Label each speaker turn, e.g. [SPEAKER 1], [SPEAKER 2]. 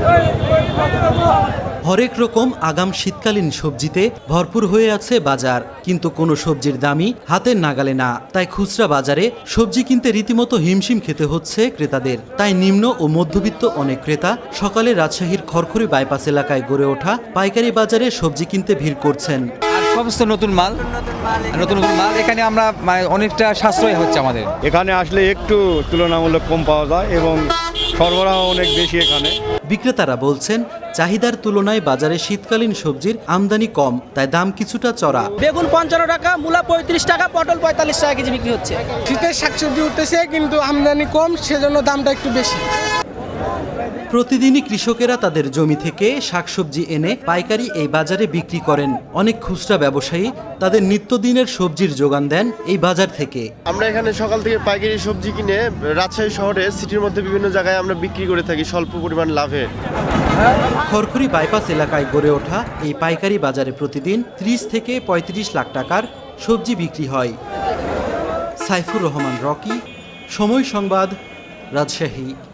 [SPEAKER 1] হরেক রকম আগাম শীতকালীন সবজিতে ভরপুর হয়ে আছে বাজার, কিন্তু কোনো সবজির দামই হাতের নাগালে না। তাই খুচরা বাজারে সবজি কিনতে রীতিমতো হিমশিম খেতে হচ্ছে ক্রেতাদের। তাই নিম্ন ও মধ্যবিত্ত অনেক ক্রেতা সকালে রাজশাহীর খড়খড়ি বাইপাস এলাকায় গড়ে ওঠা পাইকারি বাজারে সবজি কিনতে ভিড় করছেন।
[SPEAKER 2] সমস্ত নতুন মাল এখানে আমরা অনেকটা সাশ্রয় হচ্ছে আমাদের।
[SPEAKER 3] এখানে আসলে একটু তুলনামূলক কম পাওয়া যায় এবং সরবরাহ অনেক বেশি এখানে।
[SPEAKER 1] বিক্রেতারা বলছেন, চাহিদার তুলনায় বাজারে শীতকালীন সবজির আমদানি কম, তাই দাম কিছুটা চড়া।
[SPEAKER 4] বেগুন 55 টাকা, মূলা 35 টাকা, পটল 45 টাকা কেজি বিক্রি হচ্ছে।
[SPEAKER 5] শীতের শাকসবজি উঠতেছে কিন্তু আমদানি কম, সেজন্য দামটা একটু বেশি।
[SPEAKER 1] প্রতিদিনই কৃষকেরা তাদের জমি থেকে শাকসবজি এনে পাইকারি এই বাজারে বিক্রি করেন। অনেক খুচরা ব্যবসায়ী তাদের নিত্যদিনের সবজির যোগান দেন এই বাজার থেকে।
[SPEAKER 6] আমরা এখানে সকাল থেকে পাইকারি সবজি কিনে রাজশাহী শহরে সিটির মধ্যে বিভিন্ন জায়গায় আমরা বিক্রি করে থাকি স্বল্প পরিমাণ লাভে।
[SPEAKER 1] খড়খড়ি বাইপাস এলাকায় গড়ে ওঠা এই পাইকারি বাজারে প্রতিদিন 30 থেকে 35 লাখ টাকার সবজি বিক্রি হয়। সাইফুর রহমান রকি, সময় সংবাদ, রাজশাহী।